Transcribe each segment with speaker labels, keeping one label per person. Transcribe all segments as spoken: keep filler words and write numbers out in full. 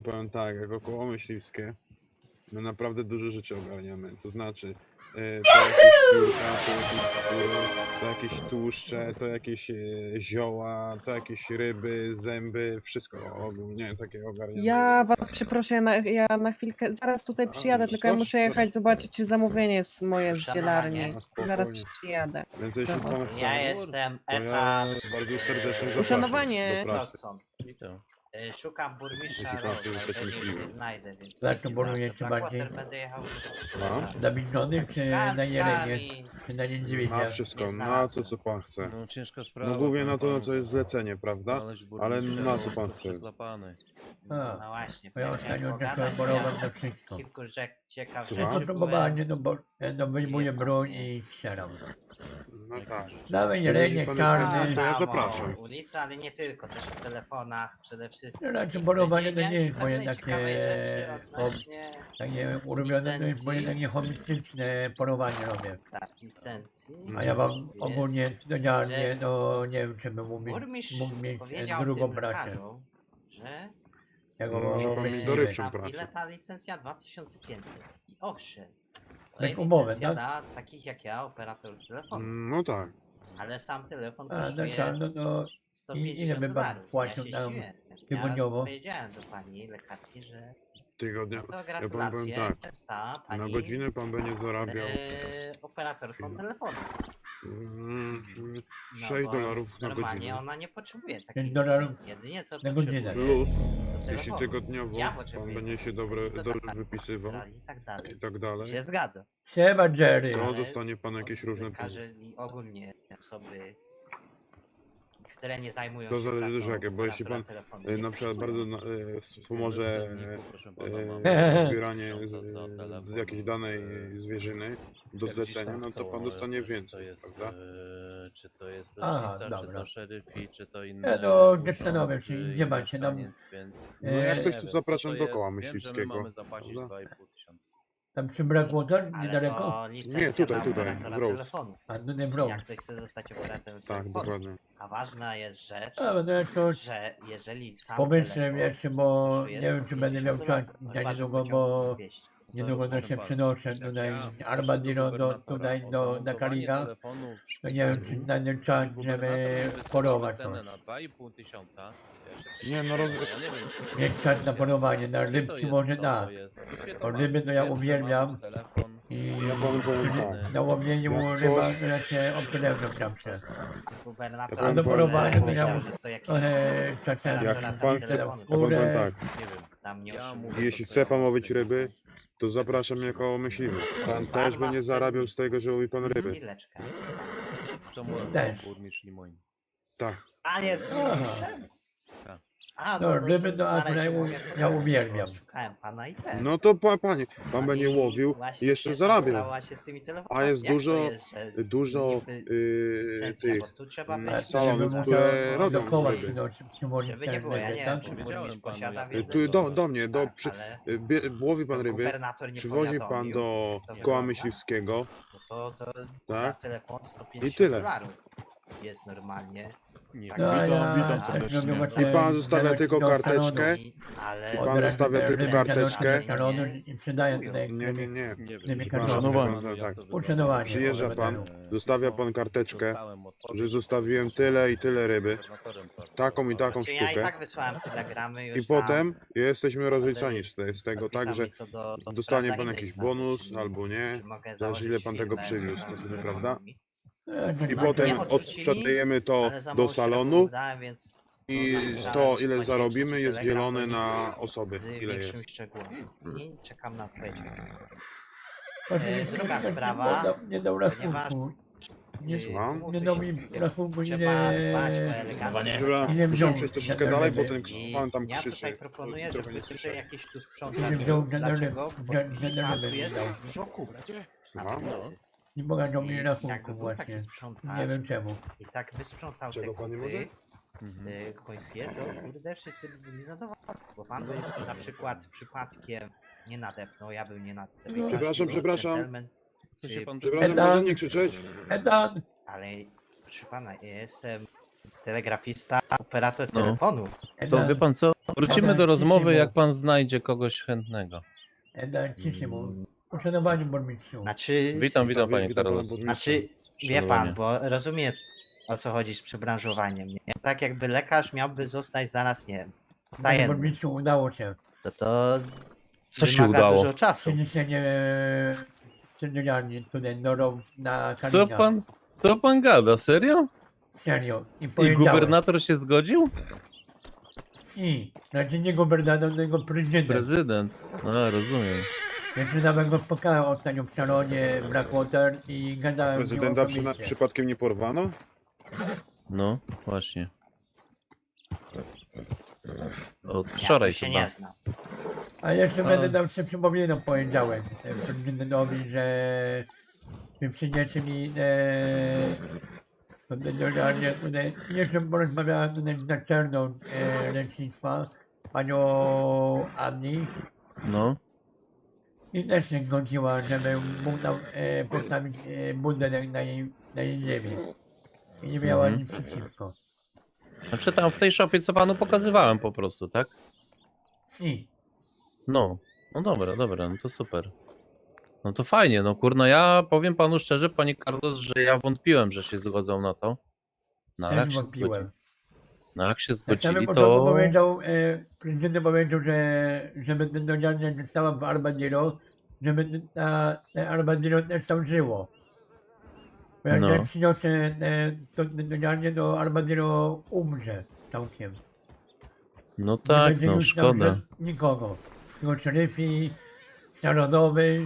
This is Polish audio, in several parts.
Speaker 1: Powiem tak, jako koło myśliwskie, my naprawdę dużo rzeczy ogarniamy. To znaczy, e, to jakieś piórka, to jakieś skóry, to jakieś tłuszcze, to jakieś e, zioła, to jakieś ryby, zęby, wszystko ogólnie takie ogarniamy.
Speaker 2: Ja was przeproszę, ja na, ja na chwilkę, zaraz tutaj
Speaker 1: A,
Speaker 2: przyjadę, tylko ja
Speaker 1: chodź,
Speaker 2: muszę jechać
Speaker 1: chodź.
Speaker 2: zobaczyć, czy zamówienie jest moje z
Speaker 3: Uszanowanie.
Speaker 2: zielarni.
Speaker 1: A, spokojnie.
Speaker 2: Zaraz przyjadę.
Speaker 1: Więc
Speaker 2: do
Speaker 1: jeśli
Speaker 2: was.
Speaker 1: pan chce,
Speaker 3: Ja jestem
Speaker 1: to ja
Speaker 3: etap
Speaker 1: bardzo serdecznie zapraszam
Speaker 2: Uszanowanie.
Speaker 1: do pracy.
Speaker 3: Dodson.
Speaker 4: Witam.
Speaker 3: Y, Szukam burmistrza
Speaker 1: Jeśli pan chce
Speaker 3: Roża,
Speaker 1: zostać
Speaker 3: pewnie już
Speaker 1: myśliwym.
Speaker 3: nie znajdę, więc...
Speaker 5: Dla
Speaker 3: będzie
Speaker 5: co boluje
Speaker 3: za-
Speaker 5: czy
Speaker 3: Blackwater
Speaker 5: bardziej?
Speaker 3: będę jechał...
Speaker 1: No.
Speaker 5: Na Bizony czy
Speaker 3: Szukałem,
Speaker 5: na Jelenie?
Speaker 3: szukałem i-
Speaker 5: Czy na
Speaker 1: Na
Speaker 5: Niedźwiedzia?
Speaker 1: wszystko,
Speaker 3: Nie
Speaker 1: na
Speaker 3: znalazłem.
Speaker 1: co co pan chce.
Speaker 4: No ciężka sprawa.
Speaker 1: No głównie
Speaker 4: powiem
Speaker 1: na to, na
Speaker 4: panu,
Speaker 1: co jest zlecenie, prawda?
Speaker 4: znaleźć
Speaker 1: Ale
Speaker 4: burmistrza,
Speaker 1: na
Speaker 4: no,
Speaker 1: co pan
Speaker 4: to
Speaker 1: chce?
Speaker 4: przeklapany.
Speaker 5: A,
Speaker 3: No właśnie,
Speaker 5: bo ja
Speaker 3: chciałem
Speaker 5: ostatnio
Speaker 3: pogadać,
Speaker 5: zacząłem
Speaker 3: miałem
Speaker 5: polować na wszystko.
Speaker 3: kilku rzek ciekawych
Speaker 1: Słucham?
Speaker 5: Wszystko
Speaker 3: rzeczy,
Speaker 5: próbowanie, no bo no wyjmuję
Speaker 3: Przyjechał,
Speaker 5: broń
Speaker 3: nie?
Speaker 5: i strzelam.
Speaker 1: No tak.
Speaker 5: Dawaj
Speaker 1: Jeżeli
Speaker 5: Jelenie,
Speaker 1: pan
Speaker 5: czarny.
Speaker 1: jest- to ja
Speaker 3: tam,
Speaker 1: zapraszam.
Speaker 3: o, ulicy, ale nie tylko, też w telefonach przede wszystkim.
Speaker 5: No raczej polowanie to nie jest moje
Speaker 3: Pewnej
Speaker 5: takie,
Speaker 3: ciekawej rzeczy
Speaker 5: o,
Speaker 3: odnośnie
Speaker 5: takie ulubione, to jest moje
Speaker 3: licencji.
Speaker 5: takie hobbystyczne polowanie robię.
Speaker 3: Tak, licencji.
Speaker 5: A ja mam
Speaker 3: Jest,
Speaker 5: ogólnie codziennie,
Speaker 3: że
Speaker 5: no nie wiem, czy bym mógł mieć,
Speaker 3: Burmistrz
Speaker 5: mógł mieć
Speaker 3: powiedział
Speaker 5: drugą
Speaker 3: tym
Speaker 5: pracę.
Speaker 3: lekarzom, że
Speaker 5: Jak
Speaker 1: No, może pan mieć
Speaker 5: myśliwy.
Speaker 1: dorywczą
Speaker 3: tam
Speaker 1: pracę.
Speaker 3: ile ta licencja? dwa tysiące pięćset. I owszem, to
Speaker 5: Bez
Speaker 3: jest
Speaker 5: umowy,
Speaker 3: licencja
Speaker 5: tak?
Speaker 3: dla takich jak ja, operatorów telefonu.
Speaker 1: No tak.
Speaker 3: Ale sam telefon
Speaker 5: A, no
Speaker 3: kosztuje
Speaker 5: tak, no to
Speaker 3: sto
Speaker 5: i- ile
Speaker 3: pięćdziesiąt
Speaker 5: by pan
Speaker 3: dolarów.
Speaker 5: płacił
Speaker 3: ja się
Speaker 5: nam
Speaker 3: zdziwiłem.
Speaker 5: tygodniowo?
Speaker 3: Ja powiedziałem do pani lekarki, że
Speaker 1: Tygodnia.
Speaker 3: no to
Speaker 1: Ja panu
Speaker 3: gratulacje,
Speaker 1: powiem tak.
Speaker 3: została pani
Speaker 1: Na godzinę pan będzie zarabiał
Speaker 3: e, operatorką telefonu.
Speaker 1: mm,
Speaker 3: No,
Speaker 1: sześć
Speaker 3: bo
Speaker 1: dolarów na
Speaker 3: Normalnie
Speaker 1: godzinę.
Speaker 3: ona nie potrzebuje takiej
Speaker 5: pięć dolarów
Speaker 3: licencji. Jedynie co
Speaker 5: na godzinę.
Speaker 3: potrzebuje,
Speaker 1: Plus,
Speaker 3: to
Speaker 1: jeśli
Speaker 3: telefonu.
Speaker 1: tygodniowo
Speaker 3: Ja
Speaker 1: pan
Speaker 3: potrzebuję
Speaker 1: będzie się
Speaker 3: licencji
Speaker 1: dobre,
Speaker 3: do
Speaker 1: dobrze
Speaker 3: tak,
Speaker 1: wypisywał
Speaker 3: Australii i tak dalej.
Speaker 1: i tak dalej,
Speaker 3: Się zgadza.
Speaker 5: Siema Jerry.
Speaker 1: to
Speaker 3: Ale
Speaker 1: dostanie pan jakieś różne
Speaker 3: Lekarze
Speaker 1: punkty.
Speaker 3: i ogólnie osoby, które nie zajmują
Speaker 1: To
Speaker 3: się
Speaker 1: zależy
Speaker 3: pracą
Speaker 1: też jakie, bo jeśli
Speaker 3: operatora
Speaker 1: pan
Speaker 3: telefonu,
Speaker 1: e,
Speaker 3: nie
Speaker 1: na przykład bardzo na,
Speaker 3: potrzebują.
Speaker 1: e, wspomoże
Speaker 4: Cenniku, proszę pana,
Speaker 1: e,
Speaker 4: mam
Speaker 5: Eee.
Speaker 1: zbieranie
Speaker 4: tysiąca za
Speaker 1: e,
Speaker 4: telefon,
Speaker 1: jakiejś danej
Speaker 4: e,
Speaker 1: zwierzyny do
Speaker 4: jak gdzieś
Speaker 1: zlecenia,
Speaker 4: tam
Speaker 1: no to
Speaker 4: chcą,
Speaker 1: pan
Speaker 4: ale
Speaker 1: dostanie
Speaker 4: czy to
Speaker 1: więcej,
Speaker 4: jest,
Speaker 1: prawda?
Speaker 4: e, Czy to jest
Speaker 5: Aha,
Speaker 4: lecznica, czy
Speaker 5: dobra.
Speaker 4: to szeryfi, czy to inny
Speaker 5: Ja no,
Speaker 4: urząd,
Speaker 5: zastanawiam się,
Speaker 4: czy
Speaker 5: gdzie
Speaker 4: inny
Speaker 5: macie nam-
Speaker 4: mieszkaniec, więc
Speaker 1: No jak
Speaker 5: Eee,
Speaker 1: coś,
Speaker 4: nie
Speaker 1: to
Speaker 4: wiem,
Speaker 1: zapraszam
Speaker 4: co
Speaker 1: do
Speaker 4: to
Speaker 1: koła
Speaker 4: jest. Wiem, że my
Speaker 1: myśliwskiego.
Speaker 4: mamy zapłacić
Speaker 1: prawda?
Speaker 4: dwa i pół tysiąca.
Speaker 5: Tam przy Blackwater,
Speaker 3: Ale
Speaker 5: niedaleko?
Speaker 3: to licencja
Speaker 1: Nie, tutaj,
Speaker 3: dla
Speaker 1: tutaj,
Speaker 3: operatora
Speaker 1: w Rose.
Speaker 3: telefonu.
Speaker 5: A no nie w
Speaker 3: Jak
Speaker 5: Rose.
Speaker 3: ktoś chce zostać operatorem
Speaker 1: Tak,
Speaker 3: telefonu.
Speaker 1: dokładnie.
Speaker 3: A ważna jest rzecz,
Speaker 5: A, no jak coś
Speaker 3: że jeżeli sam
Speaker 5: pomyślę
Speaker 3: telefon
Speaker 5: jeszcze, bo
Speaker 3: kosztuje
Speaker 5: nie wiem, czy będę miał
Speaker 3: sto
Speaker 5: czas
Speaker 3: pięćdziesiąt
Speaker 5: za
Speaker 3: dolarów,
Speaker 5: niedługo,
Speaker 3: chyba, że
Speaker 5: bo
Speaker 3: pociągnie dwieście.
Speaker 5: niedługo to
Speaker 4: Proszę
Speaker 5: się
Speaker 4: pana,
Speaker 5: przenoszę
Speaker 4: jak
Speaker 5: tutaj
Speaker 4: ja
Speaker 5: z
Speaker 4: proszę
Speaker 5: Armadillo do,
Speaker 4: gubernatora
Speaker 5: tutaj
Speaker 4: o
Speaker 5: do, na
Speaker 4: zamontowanie
Speaker 5: Kaliga.
Speaker 4: telefonu w
Speaker 5: To nie wiem, czy znajdę czas,
Speaker 4: gubernator
Speaker 5: żeby
Speaker 4: mi wystawił
Speaker 5: polować
Speaker 4: cenę
Speaker 5: coś.
Speaker 4: na dwa i pół tysiąca. Ja się
Speaker 1: Nie, no roz...
Speaker 4: ja nie wiem, czy-
Speaker 5: Mieć czas na polowanie, na
Speaker 4: Gdzie to
Speaker 5: rybki
Speaker 4: jest,
Speaker 5: może
Speaker 4: co
Speaker 5: da.
Speaker 4: to jest? Gdzie to
Speaker 5: Bo
Speaker 4: ma?
Speaker 5: ryby to ja
Speaker 4: Wiem, że
Speaker 5: uwielbiam.
Speaker 4: mam telefon.
Speaker 5: I
Speaker 1: Ja panu powiem tak.
Speaker 5: na łowieniu
Speaker 1: Jak
Speaker 5: ryba,
Speaker 1: coś-
Speaker 5: to ja się opryleżę tam się.
Speaker 3: Gubernator
Speaker 1: Ja
Speaker 5: A do
Speaker 1: powiem
Speaker 5: polowania to
Speaker 3: myślał,
Speaker 5: ja
Speaker 3: że to jakiś
Speaker 5: trochę czasem
Speaker 1: Jak
Speaker 3: operator
Speaker 1: pan chce,
Speaker 3: telefonu.
Speaker 1: ja panu powiem
Speaker 5: skórę.
Speaker 1: tak.
Speaker 4: Nie wiem.
Speaker 3: tam nie
Speaker 4: Ja
Speaker 3: oszukuje.
Speaker 4: mówię
Speaker 1: Jeśli
Speaker 4: to, co
Speaker 1: chce
Speaker 4: ja
Speaker 1: pan
Speaker 4: mam
Speaker 1: łowić
Speaker 4: chcę.
Speaker 1: ryby, to zapraszam jako myśliwy. Pan też
Speaker 3: ma
Speaker 1: będzie
Speaker 3: w
Speaker 1: zarabiał
Speaker 3: cenie.
Speaker 1: z tego, że łowi pan ryby.
Speaker 3: Chwileczkę.
Speaker 4: Co mówią
Speaker 5: Też.
Speaker 4: burmistrz nie moim.
Speaker 1: Tak.
Speaker 3: A jest burmistrzem?
Speaker 4: Tak.
Speaker 3: A,
Speaker 5: No, ryby
Speaker 3: to
Speaker 5: to
Speaker 3: nareszcie
Speaker 5: akurat ja
Speaker 3: mogę
Speaker 5: u- ja
Speaker 3: pogadać,
Speaker 5: uwielbiam.
Speaker 3: bo Szukałem pana i ten.
Speaker 1: No to pa, panie, pan
Speaker 3: I
Speaker 1: będzie łowił
Speaker 3: właśnie
Speaker 1: i jeszcze
Speaker 3: się
Speaker 1: zarabiał.
Speaker 3: stała się z tymi telefonami.
Speaker 1: A jest
Speaker 3: Jak to
Speaker 1: dużo,
Speaker 3: jest, że
Speaker 1: dużo
Speaker 3: niby
Speaker 1: yy,
Speaker 3: licencja,
Speaker 1: tych
Speaker 3: bo tu trzeba
Speaker 1: mm,
Speaker 3: być,
Speaker 5: Ale
Speaker 1: salonów,
Speaker 5: żeby
Speaker 1: które
Speaker 5: musiał
Speaker 1: robią
Speaker 5: dookoła
Speaker 1: ryby.
Speaker 5: przynosić, przywolić
Speaker 3: żeby nie było, ja nie wiem,
Speaker 5: tak?
Speaker 3: czy
Speaker 4: Powiedziałem
Speaker 3: burmistrz
Speaker 4: panu,
Speaker 3: posiada
Speaker 4: jak-
Speaker 3: wiedzę.
Speaker 1: Tu do, do mnie, do,
Speaker 3: Tak,
Speaker 1: przy,
Speaker 3: ale
Speaker 1: y, bie, łowi pan
Speaker 3: to
Speaker 1: ryby,
Speaker 3: gubernator nie
Speaker 1: przywozi pan
Speaker 3: powiadomił,
Speaker 1: do
Speaker 3: to
Speaker 1: koła
Speaker 3: wygląda.
Speaker 1: myśliwskiego
Speaker 3: No to co za
Speaker 1: Tak.
Speaker 3: telefon sto
Speaker 1: I
Speaker 3: pięćdziesiąt
Speaker 1: tyle.
Speaker 3: dolarów jest normalnie.
Speaker 4: Nie
Speaker 3: Tak,
Speaker 5: No, a
Speaker 6: Witam,
Speaker 5: ja
Speaker 6: witam
Speaker 5: też
Speaker 6: serdecznie.
Speaker 5: robię
Speaker 1: I
Speaker 5: właśnie
Speaker 1: pan zostawia
Speaker 5: zaleci
Speaker 1: tylko
Speaker 5: do
Speaker 1: karteczkę.
Speaker 5: salonu.
Speaker 3: I- ale
Speaker 1: I pan
Speaker 5: Od razu
Speaker 1: zostawia
Speaker 5: te
Speaker 1: tylko
Speaker 5: ręce
Speaker 1: karteczkę.
Speaker 5: do salonu i sprzedają tutaj
Speaker 1: Nie, nie, nie.
Speaker 4: Nie
Speaker 5: Nie
Speaker 4: wiem.
Speaker 5: wiem,
Speaker 6: Uszanowanie.
Speaker 1: No tak.
Speaker 5: Uszanowanie.
Speaker 1: Przyjeżdża
Speaker 5: może
Speaker 1: pan,
Speaker 5: będą.
Speaker 1: zostawia pan karteczkę,
Speaker 4: Dostałem odpowiedź,
Speaker 1: że zostawiłem tyle i tyle ryby,
Speaker 4: gubernatorem pracy.
Speaker 1: taką i taką
Speaker 3: Czy ja i
Speaker 1: sztukę.
Speaker 3: tak wysłałem telegramy już
Speaker 1: I potem jesteśmy rozliczani
Speaker 3: ale
Speaker 1: z te- z tego,
Speaker 3: tam
Speaker 1: tak, że
Speaker 3: co do, do
Speaker 1: dostanie
Speaker 3: prawda
Speaker 1: pan
Speaker 3: innej
Speaker 1: jakiś
Speaker 3: sprawy,
Speaker 1: bonus
Speaker 3: czyli
Speaker 1: albo nie.
Speaker 3: czy mogę
Speaker 1: zależy, ile
Speaker 3: założyć
Speaker 1: pan tego
Speaker 3: firmę
Speaker 1: przywiózł,
Speaker 3: związaną z
Speaker 1: prawda?
Speaker 3: telefonami.
Speaker 5: E, to
Speaker 1: I
Speaker 5: znaczy,
Speaker 1: potem
Speaker 3: Nie odrzucili,
Speaker 1: odsprzedajemy to
Speaker 3: ale za
Speaker 1: do
Speaker 3: mało
Speaker 1: salonu
Speaker 3: szczegółów dałem, więc
Speaker 1: i
Speaker 3: to
Speaker 1: to,
Speaker 3: dałem
Speaker 1: ile
Speaker 3: właśnie
Speaker 1: zarobimy,
Speaker 3: trzeci
Speaker 1: jest
Speaker 3: telegram
Speaker 1: dzielone
Speaker 3: do
Speaker 1: na
Speaker 3: nich
Speaker 1: osoby,
Speaker 3: z
Speaker 1: ile jest.
Speaker 3: większym szczegółem. I czekam na odpowiedź.
Speaker 5: właśnie
Speaker 3: E, druga
Speaker 5: nie-
Speaker 3: sprawa,
Speaker 5: nie dał- Nie dał
Speaker 3: ponieważ-
Speaker 5: rasunku. Nie,
Speaker 3: Yy,
Speaker 1: Słucham?
Speaker 3: umówmy
Speaker 5: nie dał
Speaker 3: się,
Speaker 5: mi rasunku,
Speaker 3: trzeba
Speaker 5: ile...
Speaker 3: dbać o elegancję.
Speaker 1: Dobra,
Speaker 5: Ile wziął
Speaker 1: musimy przejść troszeczkę
Speaker 5: za
Speaker 1: dalej, bo
Speaker 5: ryby?
Speaker 1: ten
Speaker 3: I
Speaker 1: pan tam
Speaker 3: ja
Speaker 1: krzyczy.
Speaker 3: tutaj proponuję,
Speaker 1: Trochę
Speaker 3: żeby
Speaker 1: nie
Speaker 3: tutaj
Speaker 1: słyszę.
Speaker 3: jakiś tu
Speaker 5: Ile
Speaker 3: sprzątacz
Speaker 5: wziął
Speaker 3: był.
Speaker 5: za
Speaker 3: Dlaczego?
Speaker 5: ryby?
Speaker 3: Bo
Speaker 5: Za- za
Speaker 3: tam
Speaker 5: ryby
Speaker 3: tu jest
Speaker 5: dał.
Speaker 3: dużo kur. Na
Speaker 1: Słucham?
Speaker 3: ulicy.
Speaker 5: Nie pokazał
Speaker 3: I
Speaker 5: mi
Speaker 3: jakby
Speaker 5: rasunku
Speaker 3: był
Speaker 5: właśnie.
Speaker 3: taki sprzątacz
Speaker 5: Nie wiem czemu.
Speaker 3: i tak wysprzątał
Speaker 1: Czego
Speaker 3: te
Speaker 1: pan nie
Speaker 3: kupy,
Speaker 1: może?
Speaker 4: Mhm.
Speaker 3: y, końskie, to kurde wszyscy by byli zadowoleni. Bo pan by na przykład przypadkiem nie nadepnął, ja bym nie nadepnął.
Speaker 5: No.
Speaker 1: Przepraszam,
Speaker 3: Był
Speaker 1: przepraszam.
Speaker 3: gentleman,
Speaker 4: Chce się pan
Speaker 1: Przepraszam,
Speaker 5: Edan.
Speaker 1: proszę nie krzyczeć.
Speaker 5: Edan!
Speaker 3: ale proszę pana, ja jestem telegrafista, operator
Speaker 4: No.
Speaker 3: telefonu.
Speaker 4: To wie pan co? Wrócimy do
Speaker 5: Dobra,
Speaker 4: rozmowy,
Speaker 5: ciszej
Speaker 4: jak
Speaker 5: mów.
Speaker 4: pan znajdzie kogoś chętnego.
Speaker 5: Eda, ciszej mu. Uszanowani burmistrzu.
Speaker 3: Znaczy,
Speaker 4: Witam, witam
Speaker 1: Wi-
Speaker 4: panie
Speaker 1: witam pana
Speaker 4: Carlos.
Speaker 1: burmistrza.
Speaker 3: znaczy wie pan,
Speaker 4: Szanowanie.
Speaker 3: bo rozumie o co chodzi z przebranżowaniem. Nie? Tak jakby lekarz miałby zostać zaraz, nie wiem,
Speaker 5: Panie
Speaker 3: stajenny.
Speaker 5: burmistrzu, udało się.
Speaker 3: To to
Speaker 4: Co się
Speaker 3: wymaga
Speaker 4: udało?
Speaker 3: dużo czasu.
Speaker 5: Przeniesienie centralnie tutaj norą na
Speaker 4: Co
Speaker 5: Kalina.
Speaker 4: pan, co pan gada, serio?
Speaker 5: Serio. I
Speaker 4: I
Speaker 5: powiedziałem.
Speaker 4: gubernator się zgodził?
Speaker 5: Si. Znaczy nie gubernator, tylko prezydent.
Speaker 4: Prezydent. A, rozumiem.
Speaker 5: Jeszcze nawet go spotkałem ostatnio w salonie Blackwater i gadałem z nim
Speaker 1: Prezydenta przyna-
Speaker 5: osobiście.
Speaker 1: przypadkiem nie porwano?
Speaker 4: No, właśnie. Od
Speaker 3: Ja
Speaker 4: wczoraj
Speaker 3: tu się
Speaker 4: chyba.
Speaker 3: nie znam.
Speaker 5: A jeszcze
Speaker 4: A.
Speaker 5: będę dał się przypominał w poniedziałek e, prezydentowi, że wy przyjdziecie mi e, generalnie tutaj, jeszcze porozmawiałem tutaj z naczelną e, lecznictwa, panią Anni
Speaker 4: No,
Speaker 5: i też się zgodziła, żeby mógł nam e, postawić e, budynek na jej, na jej ziemi. I nie miała
Speaker 4: Mhm.
Speaker 5: nic przeciwko.
Speaker 4: znaczy tam w tej szopie, co panu pokazywałem po prostu, tak?
Speaker 5: Si.
Speaker 4: No, no dobra, dobra, no to super. No to fajnie, no kurno, ja powiem panu szczerze, panie Carlos, że ja wątpiłem, że się zgodzą na to. No ale jak
Speaker 5: Też
Speaker 4: się
Speaker 5: wątpiłem.
Speaker 4: zgodzili, no jak się
Speaker 5: Na samym
Speaker 4: zgodzili,
Speaker 5: początku
Speaker 4: to...
Speaker 5: powiedział, e, prezydent powiedział, że żeby ten dodziarnia została w Armadillo, żeby ta, te Armadillo też tam żyło. Bo jak
Speaker 4: No.
Speaker 5: ja przyniosę e, to dodziarnię, to Armadillo umrze całkiem.
Speaker 4: No
Speaker 5: Nie
Speaker 4: tak,
Speaker 5: będzie
Speaker 4: no
Speaker 5: już tam
Speaker 4: szkoda.
Speaker 5: żad- nikogo. Tylko szeryfi, narodowy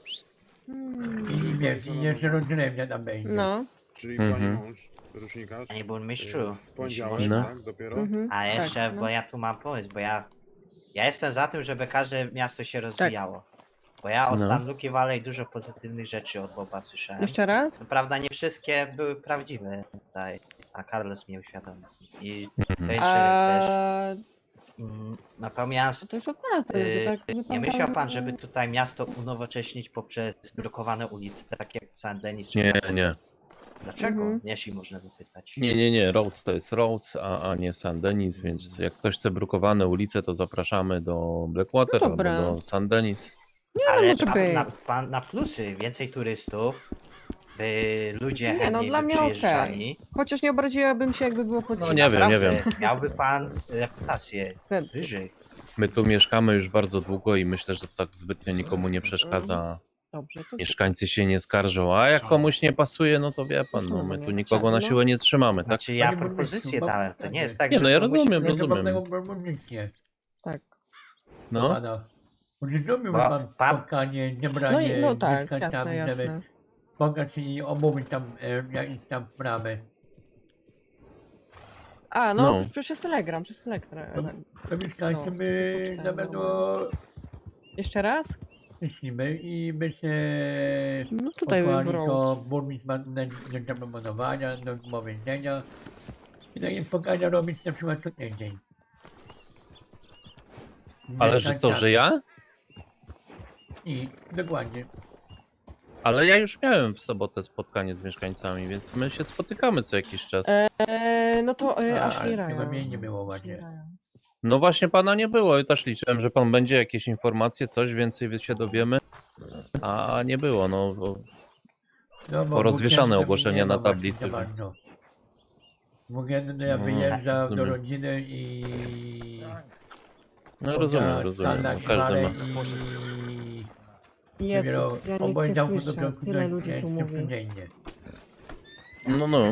Speaker 2: Hmm.
Speaker 5: i wiesz, i jeszcze rozrywnia tam będzie.
Speaker 2: No.
Speaker 1: Czyli
Speaker 4: Mhm.
Speaker 1: pani mąż, rusznikarz?
Speaker 3: Panie burmistrzu,
Speaker 1: y, W
Speaker 3: jeśli
Speaker 1: poniedziałek,
Speaker 3: można.
Speaker 4: No.
Speaker 1: tak? Dopiero?
Speaker 2: Mhm.
Speaker 3: A jeszcze,
Speaker 2: tak,
Speaker 3: bo
Speaker 2: no.
Speaker 3: ja tu mam pomysł, bo ja, ja jestem za tym, żeby każde miasto się rozwijało. Bo ja od
Speaker 4: No.
Speaker 3: San Luki Valley dużo pozytywnych rzeczy od Boba słyszałem.
Speaker 2: Jeszcze raz?
Speaker 3: Co prawda nie wszystkie były prawdziwe tutaj, a Carlos mnie uświadomił. I
Speaker 4: Mhm.
Speaker 3: Wejszerek też.
Speaker 2: A,
Speaker 3: Mm, Natomiast
Speaker 2: to już od razu, że
Speaker 3: Yy,
Speaker 2: tak
Speaker 3: nie
Speaker 2: wypada,
Speaker 3: myślał pan,
Speaker 2: że-
Speaker 3: żeby tutaj miasto unowocześnić poprzez zblokowane ulice, tak jak Saint Denis? czy
Speaker 4: Nie,
Speaker 3: Blackwater?
Speaker 4: nie.
Speaker 3: Dlaczego?
Speaker 2: Mhm.
Speaker 3: Jeśli można zapytać.
Speaker 4: Nie, nie, nie, Rhodes to jest Rhodes, a, a nie Saint Denis, więc jak ktoś chce brukowane ulice, to zapraszamy do Blackwater
Speaker 2: No
Speaker 4: albo
Speaker 2: dobra.
Speaker 4: do Saint Denis.
Speaker 3: Ale
Speaker 2: może
Speaker 3: na,
Speaker 2: być.
Speaker 3: na, pan- na plusy, więcej turystów, by ludzie
Speaker 2: Nie, no,
Speaker 3: chętniej
Speaker 2: dla
Speaker 3: by
Speaker 2: mnie okej.
Speaker 3: przyjeżdżali.
Speaker 2: Chociaż nie obraziłabym się, jakby było pod
Speaker 4: No nie wiem, nie
Speaker 3: Naprawdę,
Speaker 4: wiem.
Speaker 3: Miałby pan reputację
Speaker 2: wiem.
Speaker 3: wyżej.
Speaker 4: My tu mieszkamy już bardzo długo i myślę, że to tak zbytnio nikomu nie przeszkadza.
Speaker 2: Dobrze, to
Speaker 4: Mieszkańcy się nie skarżą, a jak komuś nie pasuje, no to wie pan, no my tu nikogo na siłę nie trzymamy, tak?
Speaker 3: Znaczy ja
Speaker 5: Panie
Speaker 3: propozycję
Speaker 5: burmistrzu,
Speaker 3: dałem, to nie jest tak,
Speaker 4: Nie,
Speaker 3: że
Speaker 4: no ja
Speaker 3: komuś-
Speaker 4: rozumiem,
Speaker 5: Ja
Speaker 4: rozumiem.
Speaker 5: zapewnego propozycję.
Speaker 2: tak.
Speaker 4: No,
Speaker 5: Pana. Może zrobiłby
Speaker 3: Bo
Speaker 5: pan
Speaker 3: pan-
Speaker 5: spotkanie,
Speaker 2: No,
Speaker 5: zebranie
Speaker 2: i, no tak,
Speaker 5: dziecka
Speaker 2: jasne,
Speaker 5: tam, żeby
Speaker 2: jasne.
Speaker 5: spotkać i omówić tam e, jakieś tam sprawy.
Speaker 2: A, no,
Speaker 4: No.
Speaker 2: przecież jest telegram, przez telegram.
Speaker 5: To mieszkańcy
Speaker 2: No,
Speaker 5: by
Speaker 2: to
Speaker 5: na
Speaker 2: poczytałem,
Speaker 5: pewno
Speaker 2: Jeszcze raz?
Speaker 5: myślimy i by się
Speaker 2: No tutaj
Speaker 5: posłali,
Speaker 2: wybrał.
Speaker 5: co burmistrz ma do do zaproponowania, do powiedzenia. I takie spotkania robić na przykład co tydzień. Z
Speaker 4: ale że co, że ja?
Speaker 5: I dokładnie.
Speaker 4: Ale ja już miałem w sobotę spotkanie z mieszkańcami, więc my się spotykamy co jakiś czas.
Speaker 2: Eee, no to e,
Speaker 5: A,
Speaker 2: Ashley
Speaker 5: ale
Speaker 2: Ryan.
Speaker 5: chyba mnie nie było ładnie.
Speaker 2: Ashley Ryan.
Speaker 4: No właśnie pana nie było i też liczyłem, że pan będzie jakieś informacje, coś więcej się dowiemy, a nie było, no bo
Speaker 5: No, bo
Speaker 4: Porozwieszane
Speaker 5: w weekend
Speaker 4: ogłoszenia
Speaker 5: nie
Speaker 4: na
Speaker 5: ma właśnie
Speaker 4: tablicy,
Speaker 5: za
Speaker 4: więc-
Speaker 5: bardzo. W weekend ja
Speaker 4: No,
Speaker 5: wyjeżdżam do
Speaker 4: rozumiem.
Speaker 5: rodziny i...
Speaker 4: no rozumiem, rozumiem, no, każdy ma.
Speaker 5: I
Speaker 2: Jezus, ja nic nie słyszę. Tyle ludzi tu mówi.
Speaker 5: codziennie.
Speaker 4: No, no.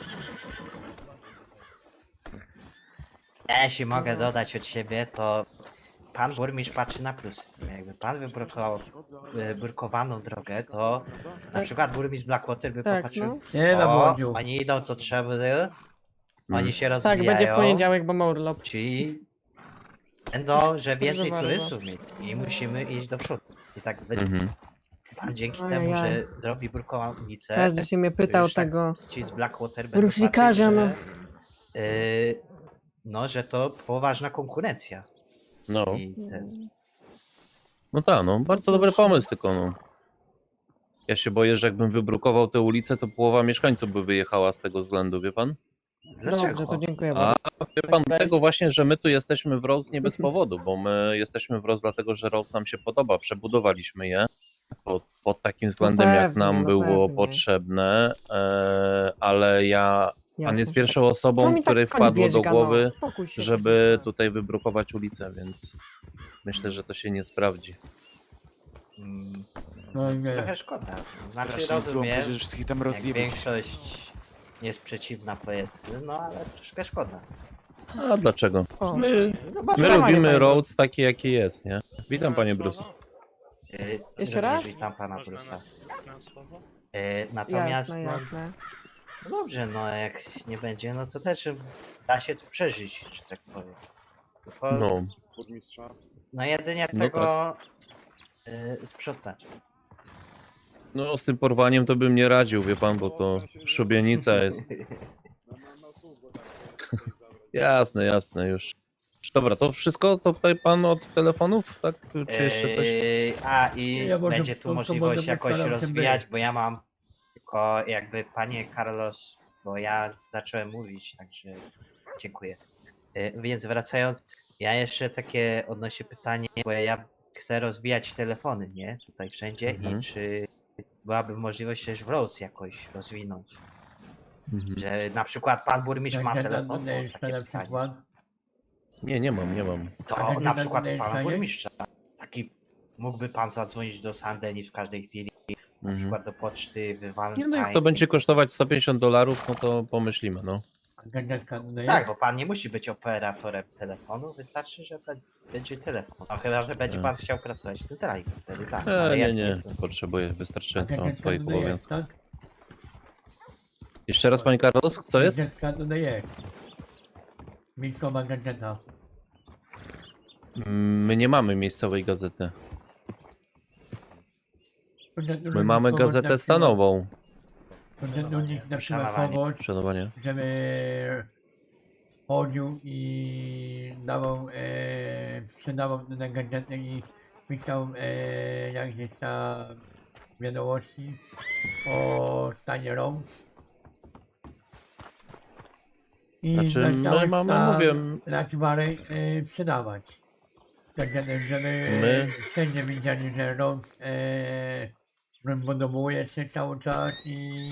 Speaker 3: Ja jeśli mogę dodać od siebie, to pan burmistrz patrzy na plusy. Jakby pan wybrukował e, brukowaną drogę, to na
Speaker 2: Tak.
Speaker 3: przykład burmistrz Blackwater by
Speaker 2: Tak,
Speaker 3: popatrzył,
Speaker 2: no.
Speaker 5: Nie na
Speaker 3: o,
Speaker 5: młodziu.
Speaker 3: oni idą co trzeba, oni
Speaker 4: Mm.
Speaker 3: się
Speaker 2: Tak,
Speaker 3: rozwijają,
Speaker 2: będzie w poniedziałek, bo ma urlop.
Speaker 3: czyli będą, że więcej
Speaker 2: bardzo.
Speaker 3: turystów mieć i musimy iść do przodu. I tak będzie.
Speaker 4: Mhm.
Speaker 3: Pan dzięki
Speaker 2: Ajajaj.
Speaker 3: temu, że zrobi brukowaną ulicę,
Speaker 2: Każdy się mnie
Speaker 3: to
Speaker 2: pytał
Speaker 3: już tak
Speaker 2: tego.
Speaker 3: ci z Blackwater będą
Speaker 2: Rusznikarza,
Speaker 3: patrzeć,
Speaker 2: no.
Speaker 3: że, y, no, że to poważna konkurencja.
Speaker 4: No,
Speaker 3: I ten,
Speaker 4: no tak, no bardzo dobry pomysł, tylko no. Ja się boję, że jakbym wybrukował tę ulicę, to połowa mieszkańców by wyjechała z tego względu, wie pan?
Speaker 3: Dlaczego?
Speaker 2: Dobrze, to dziękuję
Speaker 4: A
Speaker 2: bardzo.
Speaker 4: wie pan, dlatego właśnie, że my tu jesteśmy w Rose nie bez powodu, bo my jesteśmy w Rose dlatego, że Rose nam się podoba. Przebudowaliśmy je pod, pod takim względem, jak
Speaker 2: pewnie,
Speaker 4: nam
Speaker 2: no
Speaker 4: było
Speaker 2: pewnie.
Speaker 4: potrzebne, e, ale ja, pan
Speaker 2: Jasne,
Speaker 4: jest
Speaker 2: że
Speaker 4: pierwszą
Speaker 2: tak. Co
Speaker 4: osobą,
Speaker 2: mi tak
Speaker 4: której
Speaker 2: pani
Speaker 4: wpadło do
Speaker 2: wieźga,
Speaker 4: głowy,
Speaker 2: no? Spokój się,
Speaker 4: żeby
Speaker 2: proszę.
Speaker 4: tutaj wybrukować ulicę, więc myślę, że to się nie sprawdzi.
Speaker 3: Mm,
Speaker 5: No nie.
Speaker 3: trochę szkoda. Znaczy
Speaker 6: Strasznie złą,
Speaker 3: rozumiem,
Speaker 6: będziesz wszystkich tam
Speaker 3: jak
Speaker 6: rozjebać.
Speaker 3: większość jest przeciwna powiedzmy, no ale troszkę szkoda.
Speaker 4: A dlaczego?
Speaker 2: O,
Speaker 4: My,
Speaker 3: No bo
Speaker 4: my
Speaker 2: Panie
Speaker 4: lubimy
Speaker 2: Bruce.
Speaker 4: Rhodes taki, jaki jest, nie? Witam, panie Bruce.
Speaker 3: Yy,
Speaker 2: Jeszcze
Speaker 3: również
Speaker 2: raz?
Speaker 3: Witam pana
Speaker 7: Można
Speaker 3: Bruce'a.
Speaker 7: na, na słowo?
Speaker 3: Yy, natomiast
Speaker 2: jasne,
Speaker 3: no,
Speaker 2: jasne.
Speaker 3: no dobrze, no jak nie będzie, no to też da się to przeżyć, że tak powiem. Tylko, no.
Speaker 4: No,
Speaker 1: Burmistrza.
Speaker 3: jedynie
Speaker 4: No
Speaker 3: tego yy, sprzątać.
Speaker 4: no z tym porwaniem to bym nie radził, wie pan, bo to szubienica jest.
Speaker 1: No, no, no, słuch go tak, tutaj zabrać.
Speaker 4: Jasne, jasne, już. Dobra, to wszystko to tutaj pan od telefonów, tak? Czy jeszcze coś?
Speaker 3: Yy, a i
Speaker 5: Ja może
Speaker 3: będzie
Speaker 5: w
Speaker 3: tu
Speaker 5: tą
Speaker 3: możliwość
Speaker 5: sobotę
Speaker 3: jakoś
Speaker 5: postaram się
Speaker 3: rozwijać,
Speaker 5: być.
Speaker 3: bo ja mam tylko jakby panie Carlos, bo ja zacząłem mówić, także dziękuję. Yy, więc wracając, ja jeszcze takie odnośnie pytanie, bo ja chcę rozwijać telefony, nie? Tutaj wszędzie
Speaker 4: Mhm.
Speaker 3: i czy byłaby możliwość też w Rose jakoś rozwinąć,
Speaker 4: Mhm.
Speaker 3: że na przykład pan burmistrz ma
Speaker 5: Jak
Speaker 3: telefon, to
Speaker 5: na
Speaker 3: takie
Speaker 5: na
Speaker 3: pytanie.
Speaker 5: przykład.
Speaker 4: Nie, nie mam, nie mam.
Speaker 3: To
Speaker 5: A
Speaker 3: na
Speaker 5: gdzie
Speaker 3: przykład
Speaker 5: ten
Speaker 3: pana
Speaker 5: jest?
Speaker 3: burmistrza. Taki mógłby pan zadzwonić do Sandeni w każdej chwili, na
Speaker 4: Mhm.
Speaker 3: przykład do poczty, wywalać.
Speaker 4: Nie no, jak to będzie kosztować sto pięćdziesiąt dolarów, no to pomyślimy, no.
Speaker 5: Gazetka tutaj
Speaker 3: Tak,
Speaker 5: jest.
Speaker 3: bo pan nie musi być operatorem telefonu, wystarczy, że be- będzie telefon. No chyba, że będzie
Speaker 4: Tak.
Speaker 3: pan chciał pracować w centrali, wtedy tak.
Speaker 4: E,
Speaker 3: ale
Speaker 4: nie,
Speaker 3: jak
Speaker 4: nie,
Speaker 3: to-
Speaker 4: potrzebuję wystarczająco, mam
Speaker 5: Gazetka
Speaker 4: swoich
Speaker 5: tutaj jest,
Speaker 4: obowiązków.
Speaker 5: tak?
Speaker 4: Jeszcze raz, panie Carlos, co jest?
Speaker 5: Gazetka tutaj jest. Miejscowa gazeta.
Speaker 4: Mm, My nie mamy miejscowej gazety. My mamy
Speaker 5: Miejscowość
Speaker 4: gazetę
Speaker 5: na
Speaker 4: stanową.
Speaker 5: przykład- Że u nich na przykład
Speaker 3: Szanowanie.
Speaker 5: kogoś,
Speaker 4: Szanowanie.
Speaker 5: żeby chodził i dawał, e, sprzedawał tę gazetę i pisał e, jakieś tam wiadomości o stanie Rose. I
Speaker 4: Znaczy,
Speaker 5: na
Speaker 4: my
Speaker 5: cały
Speaker 4: mamy,
Speaker 5: stan
Speaker 4: mówię,
Speaker 5: Raczbary e, sprzedawać. Gazetę, żeby
Speaker 4: My-
Speaker 5: wszędzie widzieli, że Rose e, rozbudowuje się cały czas i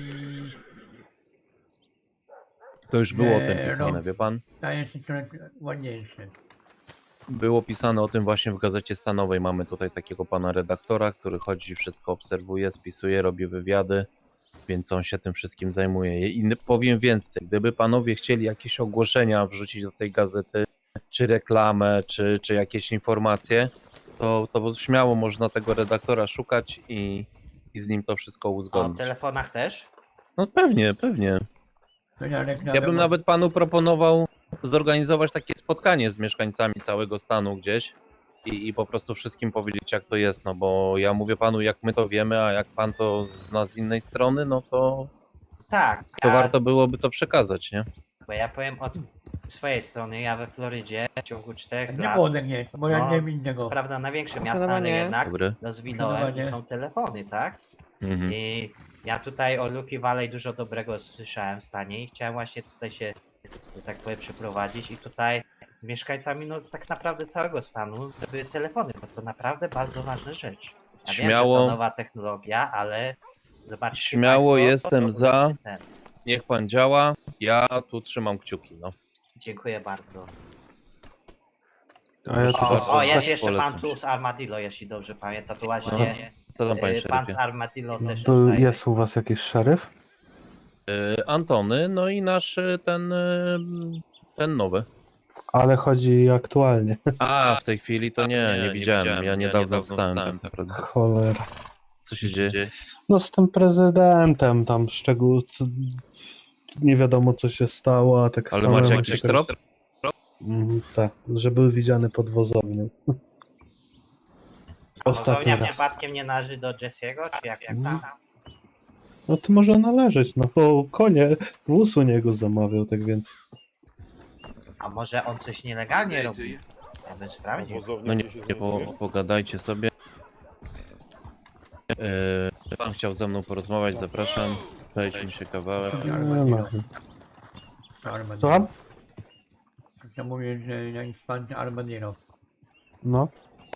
Speaker 4: to już było o
Speaker 5: Nie,
Speaker 4: tym pisane,
Speaker 5: no.
Speaker 4: wie pan?
Speaker 5: staje się coraz ładniejszy.
Speaker 4: Było pisane o tym właśnie w gazecie stanowej. Mamy tutaj takiego pana redaktora, który chodzi, wszystko obserwuje, spisuje, robi wywiady, więc on się tym wszystkim zajmuje. I n- powiem więcej, gdyby panowie chcieli jakieś ogłoszenia wrzucić do tej gazety, czy reklamę, czy, czy jakieś informacje, to, to śmiało można tego redaktora szukać i, i z nim to wszystko
Speaker 3: O
Speaker 4: uzgodnić.
Speaker 3: telefonach też?
Speaker 4: No pewnie, pewnie.
Speaker 5: To ja reklamę
Speaker 4: Ja bym
Speaker 5: mam-
Speaker 4: nawet panu proponował zorganizować takie spotkanie z mieszkańcami całego stanu gdzieś i, i po prostu wszystkim powiedzieć, jak to jest, no bo ja mówię panu, jak my to wiemy, a jak pan to zna z innej strony, no to,
Speaker 3: Tak,
Speaker 4: to
Speaker 3: ja,
Speaker 4: warto byłoby to przekazać, nie?
Speaker 3: bo ja powiem od swojej strony, ja we Florydzie w ciągu czterech
Speaker 5: Nie
Speaker 3: lat,
Speaker 5: młodek jest, bo ja
Speaker 3: No,
Speaker 5: nie widzę
Speaker 3: co
Speaker 5: go.
Speaker 3: prawda na większe miasta, ale
Speaker 2: Zdecydowanie.
Speaker 3: jednak
Speaker 4: Dobry.
Speaker 3: rozwinąłem i
Speaker 5: Zdecydowanie.
Speaker 3: są telefony, tak?
Speaker 4: Mhm.
Speaker 3: I ja tutaj o Lucky Valley dużo dobrego słyszałem w stanie i chciałem właśnie tutaj się, że tak powiem, przeprowadzić i tutaj z mieszkańcami, no tak naprawdę całego stanu, były telefony, bo to naprawdę bardzo ważna rzecz. Ja
Speaker 4: Śmiało.
Speaker 3: wiem, że to nowa technologia, ale zobaczcie
Speaker 4: Śmiało
Speaker 3: państwo,
Speaker 4: jestem
Speaker 3: to
Speaker 4: za.
Speaker 3: ulepszy ten.
Speaker 4: Niech pan działa, ja tu trzymam kciuki, no.
Speaker 3: Dziękuję bardzo.
Speaker 8: A ja tu
Speaker 3: O,
Speaker 8: bardzo
Speaker 3: o jest
Speaker 4: też
Speaker 3: jeszcze pan
Speaker 4: polecam
Speaker 3: tu
Speaker 4: się.
Speaker 3: z Armadillo, jeśli dobrze pamiętam, to właśnie
Speaker 4: Co tam, panie
Speaker 3: e, pan z
Speaker 4: szeryfie?
Speaker 3: Armadillo też
Speaker 8: Był,
Speaker 3: tutaj.
Speaker 8: jest u was jakiś szeryf?
Speaker 4: Y, Antony, no i nasz y, ten, y, ten nowy.
Speaker 8: Ale chodzi aktualnie.
Speaker 4: A, w tej chwili to nie, nie, widziałem, ja niedawno wstałem tak naprawdę.
Speaker 8: Cholera.
Speaker 4: Co się dzieje?
Speaker 8: No z tym prezydentem tam szczegół... co- Nie wiadomo co się stało, a tak
Speaker 4: Ale
Speaker 8: samemu
Speaker 4: macie
Speaker 8: się
Speaker 4: jakiś
Speaker 8: też-
Speaker 4: trop?
Speaker 8: Mhm, tak, że był widziany pod wozownią.
Speaker 3: A
Speaker 8: Ostatni
Speaker 3: Wozownia
Speaker 8: raz.
Speaker 3: przypadkiem nie należy do Jesse'ego, czy jak, jak tam?
Speaker 8: No to może należeć, no bo konie wóz u niego zamawiał, tak więc...
Speaker 3: A może on coś nielegalnie robi? Ja bym sprawdził.
Speaker 4: No nie, nie po, pogadajcie sobie. Yy, pan chciał ze mną porozmawiać, zapraszam. Przejdźmy się kawałek.
Speaker 8: Nie ma.
Speaker 5: Co Armadillo?
Speaker 8: Słucham?
Speaker 5: Co mówię, że na instancji Armadillo.
Speaker 8: No.